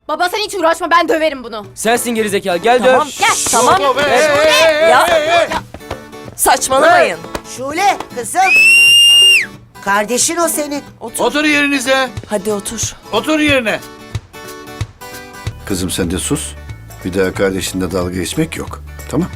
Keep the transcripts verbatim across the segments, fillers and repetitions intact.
Baba sen hiç uğraşma, ben döverim bunu. Sensin gerizekalı, gel Tamam, döv. Gel. tamam. Hop, hey, hey, hey, Ya. hey, hey. Saçmalamayın. Şule kızım. Kardeşin o senin. Otur. Otur yerinize. Hadi otur. Otur yerine. Kızım sen de sus. Bir daha kardeşinle dalga geçmek yok. Tamam.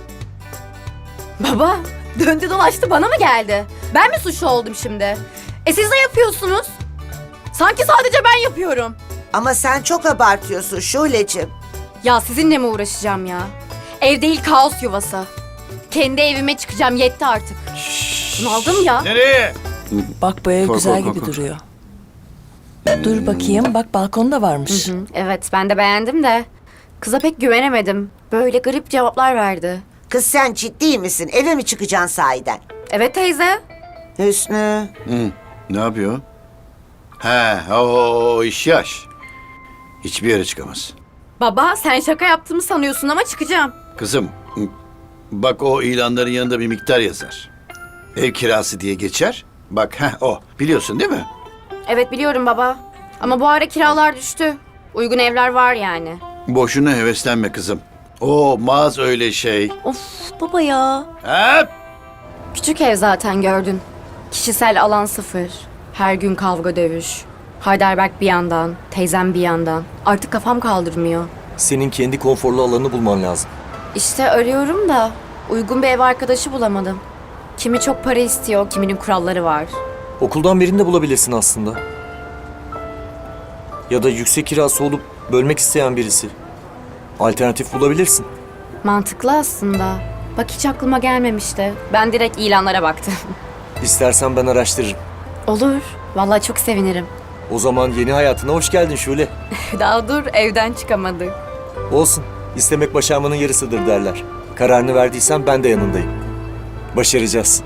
Baba döndü dolaştı bana mı geldi? Ben mi suçlu oldum şimdi? E siz de yapıyorsunuz. Sanki sadece ben yapıyorum. Ama sen çok abartıyorsun Şule'cim. Ya sizinle mi uğraşacağım ya? Ev değil, kaos yuvası. Kendi evime çıkacağım, yetti artık. Bunaldım ya. Nereye? Bak bu ev Kork, güzel kork, gibi kork. duruyor. Dur bakayım, bak balkon da varmış. Hı, evet ben de beğendim de kıza pek güvenemedim. Böyle garip cevaplar verdi. Kız sen ciddi misin? Eve mi çıkacaksın sahiden? Evet teyze. Hüsnü. Hı, ne yapıyor? He, o, o iş yaş. Hiçbir yere çıkamaz. Baba sen şaka yaptığımı sanıyorsun ama çıkacağım. Kızım, hı, bak o ilanların yanında bir miktar yazar. Ev kirası diye geçer. Bak heh, o. Biliyorsun değil mi? Evet biliyorum baba. Ama bu ara kiralar düştü. Uygun evler var yani. Boşuna heveslenme kızım. Olmaz öyle şey. Of baba ya. Hep. Küçük ev zaten gördün. Kişisel alan sıfır. Her gün kavga dövüş. Heidelberg bir yandan, teyzem bir yandan. Artık kafam kaldırmıyor. Senin kendi konforlu alanını bulman lazım. İşte arıyorum da uygun bir ev arkadaşı bulamadım. Kimi çok para istiyor, kiminin kuralları var. Okuldan birini de bulabilirsin aslında. Ya da yüksek kirası olup bölmek isteyen birisi. Alternatif bulabilirsin. Mantıklı aslında. Bak hiç aklıma gelmemişti. Ben direkt ilanlara baktım. İstersen ben araştırırım. Olur. Vallahi çok sevinirim. O zaman yeni hayatına hoş geldin Şule. Daha dur, evden çıkamadık. Olsun. İstemek başarmanın yarısıdır derler. Kararını verdiysen ben de yanındayım. Başaracağız.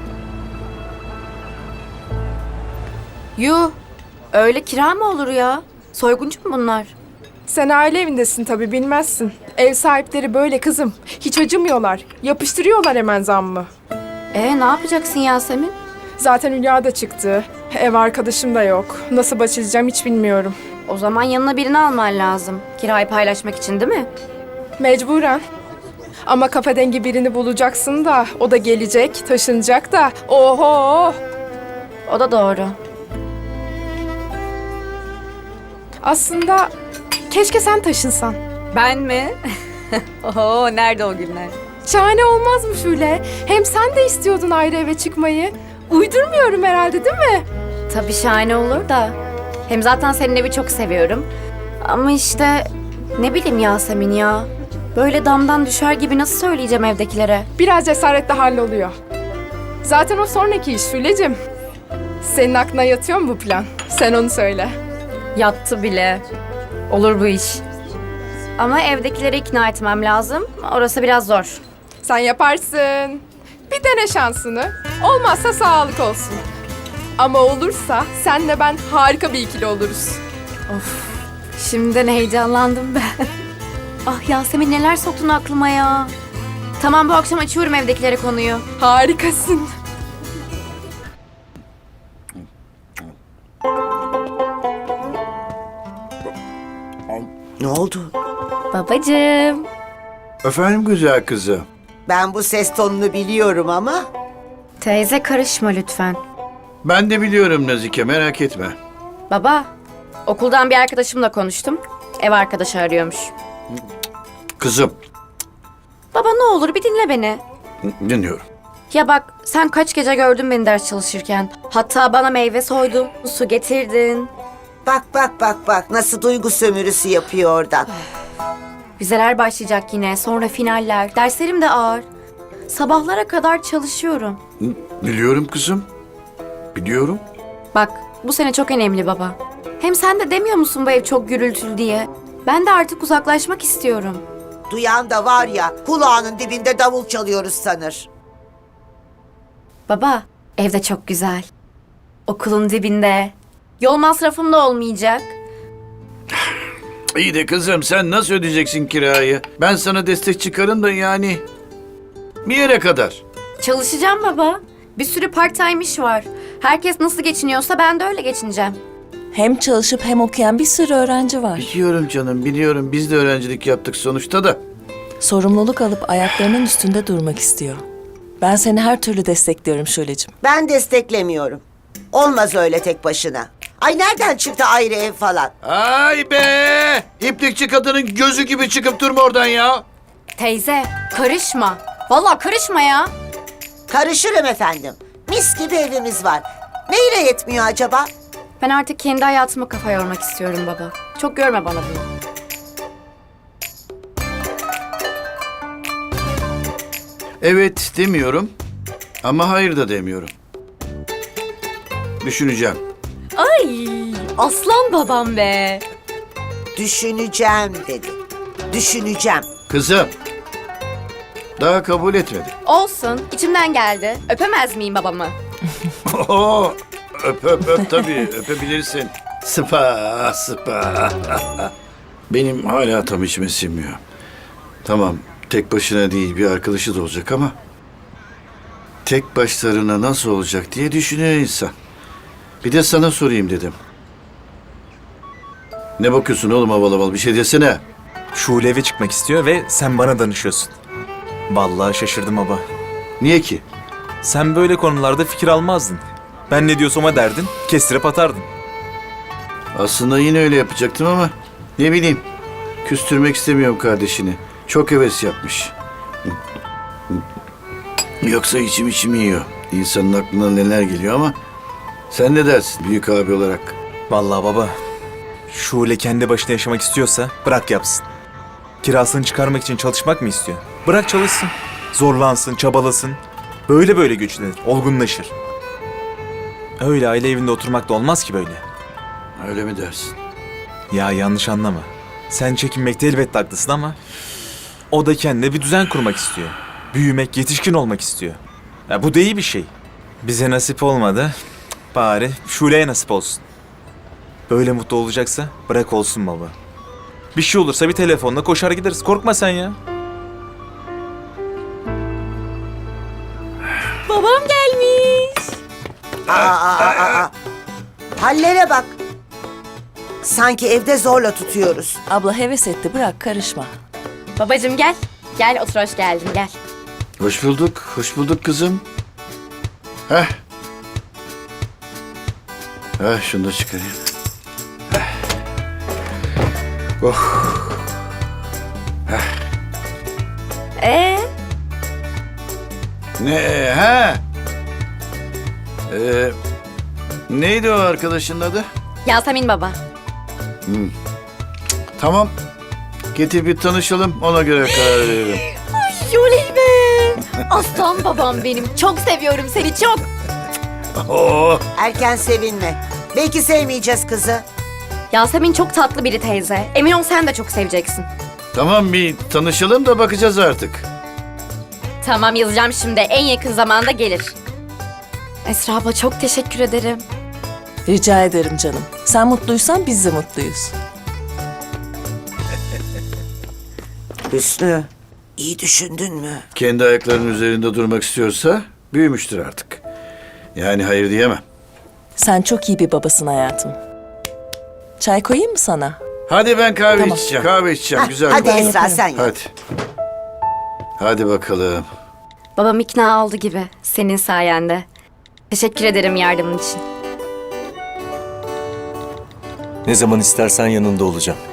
Yuh. Öyle kira mı olur ya? Soyguncu mu bunlar? Sen aile evindesin tabii bilmezsin. Ev sahipleri böyle kızım. Hiç acımıyorlar. Yapıştırıyorlar hemen zammı. E ne yapacaksın Yasemin? Zaten Hülya da çıktı. Ev arkadaşım da yok. Nasıl başlayacağım hiç bilmiyorum. O zaman yanına birini alman lazım. Kirayı paylaşmak için değil mi? Mecburen. Ama kafa dengi birini bulacaksın da o da gelecek, taşınacak da. Oho! O da doğru. Aslında keşke sen taşınsan. Ben mi? Oho nerede o günler? Şahane olmaz mı Şule? Hem sen de istiyordun ayrı eve çıkmayı. Uydurmuyorum herhalde değil mi? Tabii şahane olur da. Hem zaten senin evi çok seviyorum. Ama işte ne bileyim Yasemin ya. Böyle damdan düşer gibi nasıl söyleyeceğim evdekilere? Biraz cesaretle halloluyor. Zaten o sonraki iş Şule'cim. Senin aklına yatıyor mu bu plan? Sen onu söyle. Yattı bile. Olur bu iş. Ama evdekileri ikna etmem lazım. Orası biraz zor. Sen yaparsın. Bir dene şansını. Olmazsa sağlık olsun. Ama olursa senle ben harika bir ikili oluruz. Şimdiden heyecanlandım ben. Ah Yasemin neler soktun aklıma ya. Tamam bu akşam açıyorum evdekilere konuyu. Harikasın. Ne oldu? Babacığım. Efendim güzel kızım. Ben bu ses tonunu biliyorum ama. Teyze karışma lütfen. Ben de biliyorum Nazike, merak etme. Baba, okuldan bir arkadaşımla konuştum. Ev arkadaşı arıyormuş. Kızım, Baba ne olur bir dinle beni. dinliyorum. Ya bak sen kaç gece gördün beni ders çalışırken. Hatta bana meyve soydun, su getirdin. Bak bak bak bak nasıl duygu sömürüsü yapıyor oradan. Vizeler başlayacak yine, sonra finaller. Derslerim de ağır. Sabahlara kadar çalışıyorum. Biliyorum kızım. Biliyorum. Bak bu sene çok önemli baba. Hem sen de demiyor musun bu ev çok gürültülü diye? Ben de artık uzaklaşmak istiyorum. Duyan da var ya kulağının dibinde davul çalıyoruz sanır. Baba, evde çok güzel. Okulun dibinde. Yol masrafım da olmayacak. İyi de kızım sen nasıl ödeyeceksin kirayı? Ben sana destek çıkarım da yani. Bir yere kadar. Çalışacağım baba. Bir sürü part time iş var. Herkes nasıl geçiniyorsa ben de öyle geçineceğim. Hem çalışıp hem okuyan bir sürü öğrenci var. Biliyorum canım, biliyorum. Biz de öğrencilik yaptık sonuçta da. Sorumluluk alıp ayaklarının üstünde durmak istiyor. Ben seni her türlü destekliyorum Şule'cim. Ben desteklemiyorum. Olmaz öyle tek başına. Ay nereden çıktı ayrı ev falan? Ay be! İplikçi kadının gözü gibi çıkıp durma oradan ya. Teyze karışma. Vallahi karışma ya. Karışırım efendim. Mis gibi evimiz var. Neyle yetmiyor acaba? Ben artık kendi hayatıma kafa yormak istiyorum baba. Çok görme bana bunu. Evet demiyorum ama hayır da demiyorum. Düşüneceğim. Ay aslan babam be. Düşüneceğim dedi. Düşüneceğim. Kızım, daha kabul etmedi. Olsun içimden geldi. Öpemez miyim babamı? Oo, öp öp öp tabii öpebilirsin. Sıpa sıpa. Benim hala tam içime sinmiyor. Tamam tek başına değil bir arkadaşı da olacak ama tek başlarına nasıl olacak diye düşünüyor insan. Bir de sana sorayım dedim. Ne bakıyorsun oğlum havalı havalı bir şey desene. Şule eve çıkmak istiyor ve sen bana danışıyorsun. Vallahi şaşırdım baba. Niye ki? Sen böyle konularda fikir almazdın. Ben ne diyorsam derdin, kestirip atardın. Aslında yine öyle yapacaktım ama ne bileyim. Küstürmek istemiyorum kardeşini. Çok heves yapmış. Yoksa içim içimi yiyor. İnsanın aklına neler geliyor ama sen ne dersin büyük abi olarak? Vallahi baba, Şule kendi başına yaşamak istiyorsa bırak yapsın. Kirasını çıkarmak için çalışmak mı istiyor? Bırak çalışsın. Zorlansın, çabalasın. Böyle böyle güçlenir, olgunlaşır. Öyle aile evinde oturmak da olmaz ki böyle. Öyle mi dersin? Ya yanlış anlama. Sen çekinmekte elbette haklısın ama o da kendine bir düzen kurmak istiyor. Büyümek, yetişkin olmak istiyor. Ya bu da iyi bir şey. Bize nasip olmadı. Bari Şule'ye nasip olsun. Böyle mutlu olacaksa bırak olsun baba. Bir şey olursa bir telefonla koşar gideriz. Korkma sen ya. Babam gelmiş. Aa, aa, aa, aa. Hallere bak. Sanki evde zorla tutuyoruz. Abla heves etti, bırak karışma. Babacığım gel. Gel otur hoş geldin gel. Hoş bulduk, hoş bulduk kızım. Heh. Heh, şunu da çıkarayım. Heh. Oh. Ee, Ne? Ha? Ee, neydi o arkadaşın adı? Yasemin baba. Tamam. Getir bir tanışalım, ona göre karar veririm. Yoley be. Aslan babam benim. Çok seviyorum seni çok. Oo. Erken sevinme. Belki sevmeyeceğiz kızı. Yasemin çok tatlı biri teyze. Emin ol sen de çok seveceksin. Tamam bir tanışalım da bakacağız artık. Tamam yazacağım şimdi. En yakın zamanda gelir. Esra abla çok teşekkür ederim. Rica ederim canım. Sen mutluysan biz de mutluyuz. Hüsnü, iyi düşündün mü? Kendi ayaklarının üzerinde durmak istiyorsa büyümüştür artık. Yani hayır diyemem. Sen çok iyi bir babasın hayatım. Çay koyayım mı sana? Hadi ben kahve Tamam. içeceğim. Kahve içeceğim. Hah, Güzel. hadi Ben Esra yaparım. sen yap. Hadi. Hadi bakalım. Babam ikna oldu gibi. Senin sayende. Teşekkür ederim yardımın için. Ne zaman istersen yanında olacağım.